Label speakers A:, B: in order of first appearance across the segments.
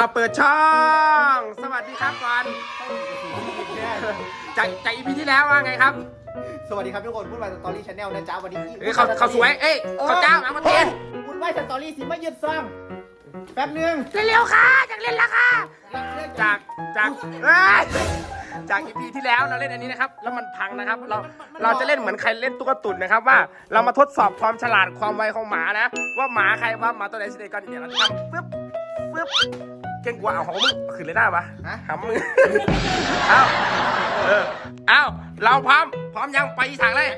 A: เปิดช่องสวัสดีครับก่อนจากอีพีที่แล้วว่าไงครับ
B: สวัสดีครับทุกคนพูดไปสตอรี่ชาแนลนะจ๊ะวันนี้
A: เขาสวยเขาเจ้ามาเทน
B: พูดไปสตอรี่สิไม่ยืดซ่องแป๊บนึง
A: เร็วๆค่ะจากเล่นละค่ะจากอีพีที่แล้วเราเล่นอันนี้นะครับแล้วมันพังนะครับเราจะเล่นเหมือนใครเล่นตุ๊กตุ่นนะครับว่าเรามาทดสอบความฉลาดความไวของหมานะว่าหมาใครว่าหมาตัวไหนสิเดก่อนเนี่ยเราทำปึ๊บเก่งกว่าเอาของมึงขึ้นเลยได้ปะหำมึงเอาเราพร้อมยังไปอีสานเลย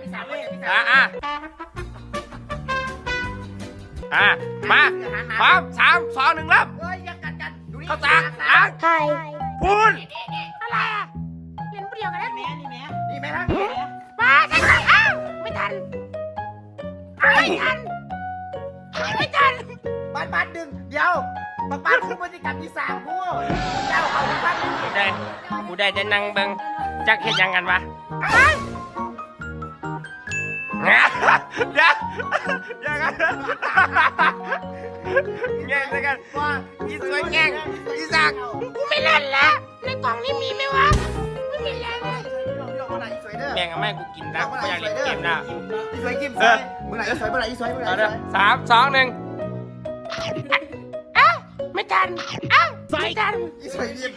A: มาพร้อม3 2 1เริ่มเข้าจากล้างพูน
C: อะไรอ่ะเล่นผู้เดียวกันแล้ว
B: นี่แม่ท่าน
C: มาใช่ไหมอ้าวไม่ทัน
B: บ้านดึงเดี๋ยวบ้านคู่บริการที่3คู่เจ้าเขาบ้านนี่
A: กูได้จะนั่งเบิ่งจักเห็นยังกันวะยังกันแง่กันว่าอีสวยแง่อีสัก
C: กูไม่เล่นแล้วในกล่องนี้มีไหมวะไม่มีแล้ว
A: แม่งแม่กูกินนะกูอยากเล่นเกมนะ
B: อีสวยกิมเมื่อไหร่อีสวย
A: 3 2 1
C: ไม่ทันไม่ทัน
B: อีสวยกิม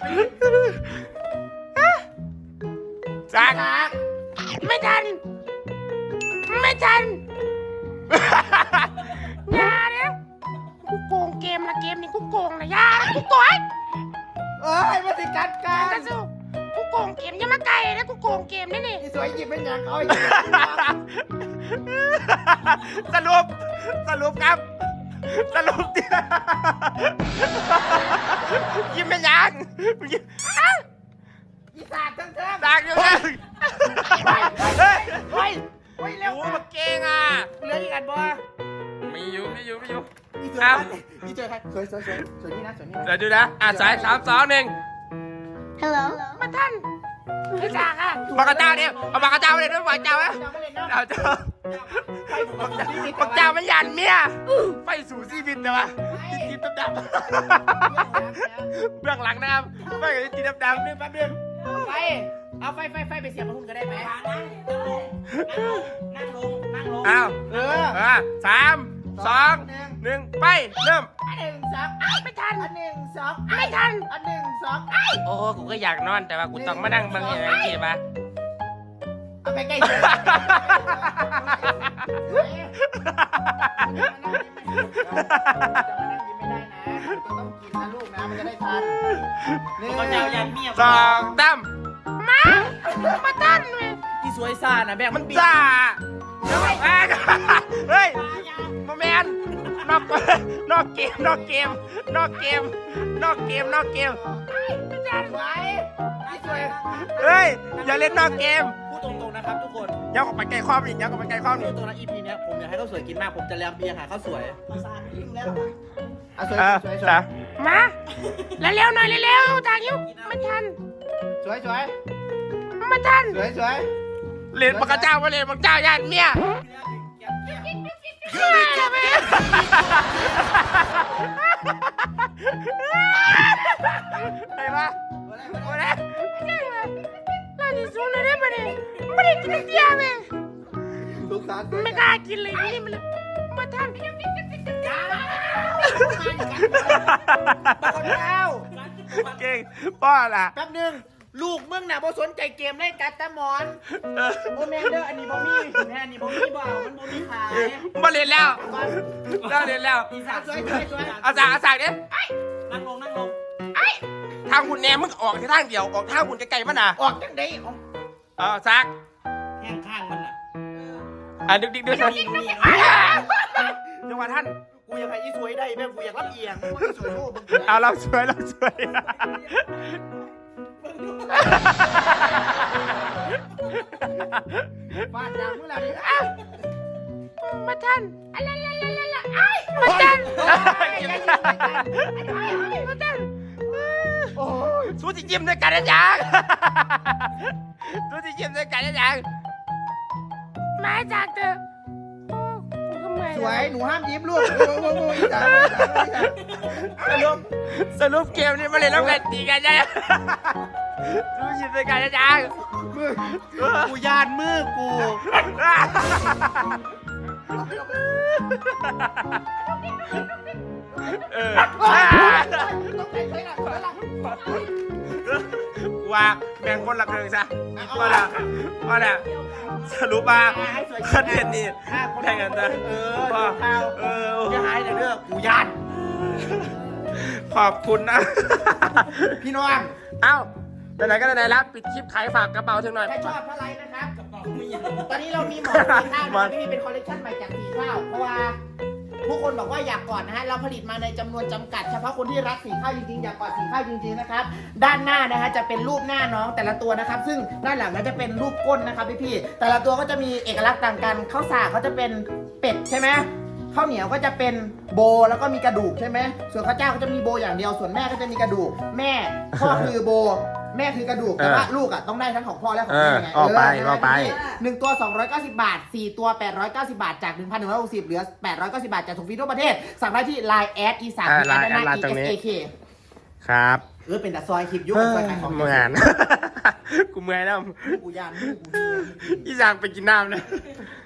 A: สัก
C: ไม่ทันอย่าเนี่ยกูโกงเกมละเกมนี้กูโกงนะอย่ากูโกง
B: มาติดกัน
C: สู้กูโกงเกมอย่ามาไกลนะกูโกงเกมนี่
B: อีสวยกิมเป็นอย่างเขา
A: สรุปครับยิ้มเป็นยัง
B: อีสานทั้ง
A: ดักอยู่นะ
B: เฮ้ยเร็ว
A: มาเก่งอ่ะ
B: เหลืออีกอันบ่
A: ไม่อยู่
B: อีสวยใครสวยนี่นะ
A: สวยดูนะสาย3 2 1
C: ฮัลโหลมาท่านไม่จากอ่ะ
A: ปากกาเจ้าเนี่ยเอาปากกาเจ้าเลยด้วยปากกาเจ้าปากกาเจ้ามันยันเมียไฟสู่ซีบินแต่ว่าจีบดำเบื้องหลังนะครับไฟกับจีบดำ
B: แป๊บนึงไฟเอาไฟไปเสียบมาหุ้นก็ได้ไหมนั่งลง
A: เอา3 2 1ไปเริ่ม
B: 1 2
C: ไม่ทัน
B: 1 2
C: ไม่ทัน
B: 1 2
A: โอ้กูก็อยากนอนแต่ว่ากูต้องมานั่งบางอย่างไรทีป่ะ
B: เอาไปใกล้ต้องกินนะลูกนะมันจะได้ทัน
A: 2 ตั้ม
C: มาท่านเลย
B: อีสวยซ่านะแบก
A: มันซ่าเฮ้ยมาแมนนอกเกม
B: ไว้อีสวย
A: เฮ้ยอย่าเล่นนอกเกม
B: พูดตรงๆนะครับทุกคน
A: ย้อนกลับไปไกลความอีกพูด
B: ตรงนะ EP เนี้ยผมอยากให้เขาสวยกินมากผมจะแลมเบียร์หาเขาสวยซ่าทิ้งแล้วสวย
C: มาเร็วหน่อยเร็วจากยิ้วไม่ทัน
B: สวย
C: มาทัน
B: สวย
A: เล่นปากกาเจ้ามาเล่นปากกาเจ้าย่านเมียไอ้บ้า
C: เราจะสู้เลยได้ไหมไม่ได้กินเดียวเลยไม่กล้ากินเลยนี่มันมาทัน
B: เก่
A: งป้อล่ะ
B: แป๊บนึงลูกมึงน่ะบ่สนใจเกมเล่นกัดตะมอนโอ้แม่เด้ออันนี้บ่มีแม่อันนี้บ่มีบ่มันบ่มีขาย
A: มาเรียนแล้ว
B: สวย
A: อาสาเนี่ย
B: นั่งลง
A: ทางหุ่นแหนมึงออกที่ทางเดียวออกทางหุ่นไกลๆมันน่ะ
B: ออกจังได๋
A: ซัก
B: แห้งข้างมันน่ะ
A: ดึกจังหวะท่าน
B: กูอยากให้อีสวยได้แม่กูอยากรับเอียงอีสวยโลก
A: เราสวย
B: ฟาดดาวเมื่อไหร่
C: มาทันมาทัน
A: สู้ที่ยิ้มด้วยกันนะจ๊ะ
C: มาจากเธอกูก็มีมื่อย
B: สวยหนูห้ามยิ้มลูกโอ้อีสาน
A: สรุปเกมนี้มาเลยต้องกันตีกันจ้ะรู้ยินไปกันจ้า
B: มือกูยานมือกู
A: เออว่าแบ่งคนละครึ่งซะอีกตัวละว่าเนี่ยสรุปมาประเด็นนี้แบ่งกันเถอะ
B: จะหายแต่เรื่องกูยาน
A: ขอบคุณนะ
B: พี่น้อง
A: เอ้าไหนๆก็ไหนๆแล้วปิดคลิปขายฝากกระเป๋าถึงหน่อย
B: ถ้าชอบถ้าไลค์นะครับตอนนี้เรามีหมอนสีข้าวนะครับพี่เป็นคอลเลคชันใหม่จากสีข้าวเพราะว่าผู้คนบอกว่าอยากกอดนะฮะเราผลิตมาในจำนวนจำกัดเฉพาะคนที่รักสีข้าวจริงๆอยากกอดสีข้าวจริงๆนะครับด้านหน้านะฮะจะเป็นรูปหน้าน้องแต่ละตัวนะครับซึ่งด้านหลังก็จะเป็นรูปก้นนะครับพี่ๆแต่ละตัวก็จะมีเอกลักษณ์ต่างกันข้าวสากเขาจะเป็นเป็ดใช่ไหมข้าวเหนียวก็จะเป็นโบแล้วก็มีกระดูกใช่ไหมส่วนข้าวเจ้าก็จะมีโบอย่างเดียวส่วนแม่ก็จะมีกระดูกแม่พ่อคือโบแม่คือกระดูกแต่ว่าลูกอ่ะต้องได้ทั้งของพ่อและของแม่ไง
A: ออกไป
B: 1 ตัว 290 บาท 4 ตัว 890 บาทจาก 1,160 เหลือ 890 บาทจากถุงฟรีทั่วประเทศสั่งได้ที่ Line แอดอีสานที่แอดนา ESAK
A: ครับ
B: เป็นแต่ซอยคลิปยุคเป็นซอยขายของ
A: เหมือน กูเมื่อยแล้ว
B: กูยานกู
A: อีสานไปกินน้ำนะ
B: เ